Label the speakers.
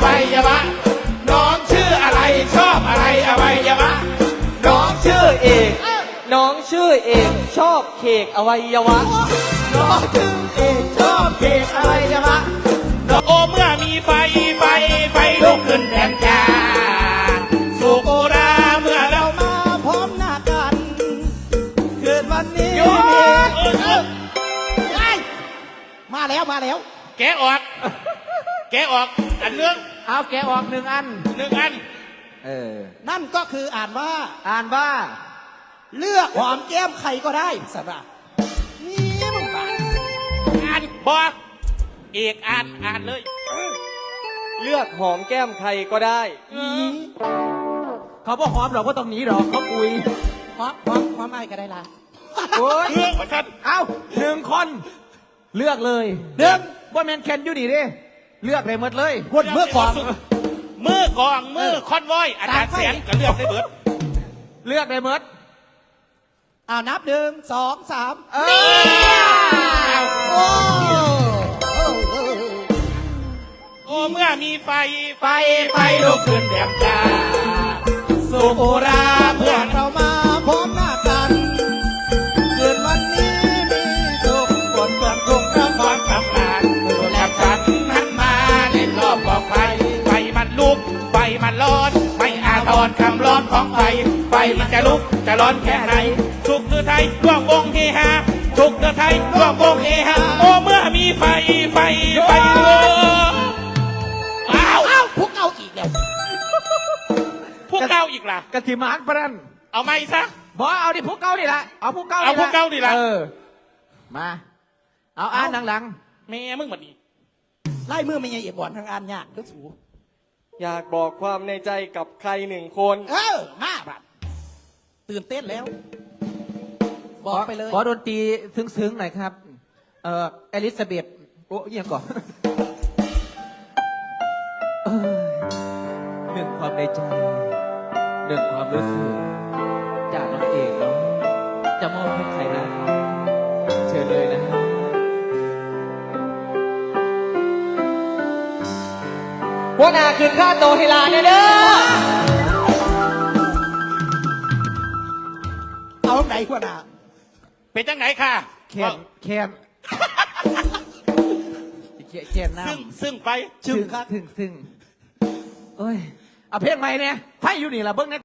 Speaker 1: วัยวะน้องชื่ออะไรชอบอะไรอวัยวะน้องชื่อเอกน้องชื่อเอกชอบเค้กอวัยวะน้องชื่อเอกชอบเค้กอวัยวะโอเมื่อมีไฟลุกขึ้นแทนจาสุโกราเมื่อเรามาพร้อมหน้ากันเกิดวันนี้มาแล้วแกะออกอันเนื่อง
Speaker 2: เอาแกะออกหนึ่งอัน
Speaker 1: นั่นก็คืออ่านว่าเลือกหอมแก้มใครก็ได้สำหรับนี่มึงบ้าอ่านบอกเอกอ่านเลยเลือกหอมแก้มใครก็ได้
Speaker 2: เขาบอกหอมหรอกว่าตรงนี้หรอกเขาคุย
Speaker 1: หอมไอ้ก็ได้ละ
Speaker 2: โอ้ยเอาหนึ่งคนเลือกเลยว่าแมนแคนอยู่ดีดิเลือกเลยหมดเลย
Speaker 1: คนมือกองมือคอนวอยอาจารย์เสียนก็เลือกได้เบิด
Speaker 2: เลือกได้หมด
Speaker 1: นับ1 2 3โอ้เมื่อมีไฟลุกขึ้นแดมจ้าสุโอราเพื่อนเรามาพร้อมหน้ากันเกิดวันนี้มีสุขบนเพื่อนทุกข์และความกำลังและฉันนั้นมาเล่นรอบกองไฟมันลุกไฟมันร้อนไม่อาทรคำร้อนของไฟมันจะลุกจะร้อนแค่ไหนสุขคือไทยร่วมวงเฮฮาสุขคือไทยร่วมวงเฮฮาโอ้เมื่อมีไฟพวกเอาอีกแล้วพวกเก้าอีกล่ะ
Speaker 2: กะทิมาร์กปรัน
Speaker 1: เอาไหมซะ
Speaker 2: บอกเอาดิพวกเก้านี่ละเอาพวกเก้า
Speaker 1: นี่ละ
Speaker 2: มาเอาอ่านหลัง
Speaker 1: แม่มึงมาดีไล่มือไม่ยังเอียบบ่อนทางอ่านยากทุกสู
Speaker 3: อยากบอกความในใจกับใคร1 คน
Speaker 1: มาบัดตื่นเต้นแล้วบอกไปเลย
Speaker 2: ขอดนตรีซึ้งๆหน่อยครับเอลิซาเบธโอ้ยังก่อนหนึ่งความในใจหนึ่งความรู้สึกจากน้องเอกเนาะจะมอบให้ใครนะเชิญเลยนะ
Speaker 3: หัวหน้าขึ้นค่าโตให้ลาเด้อ
Speaker 1: เอาไหนหัวหน้าเป็นจังไหนค่ะ
Speaker 2: แคนน้ำ
Speaker 1: ซึ่งไป
Speaker 2: ซึ่งเอ้ยเอาเพลงใหม่เนี่ยไฟอยู่นี่ล่ะเบิ้งเนี่ย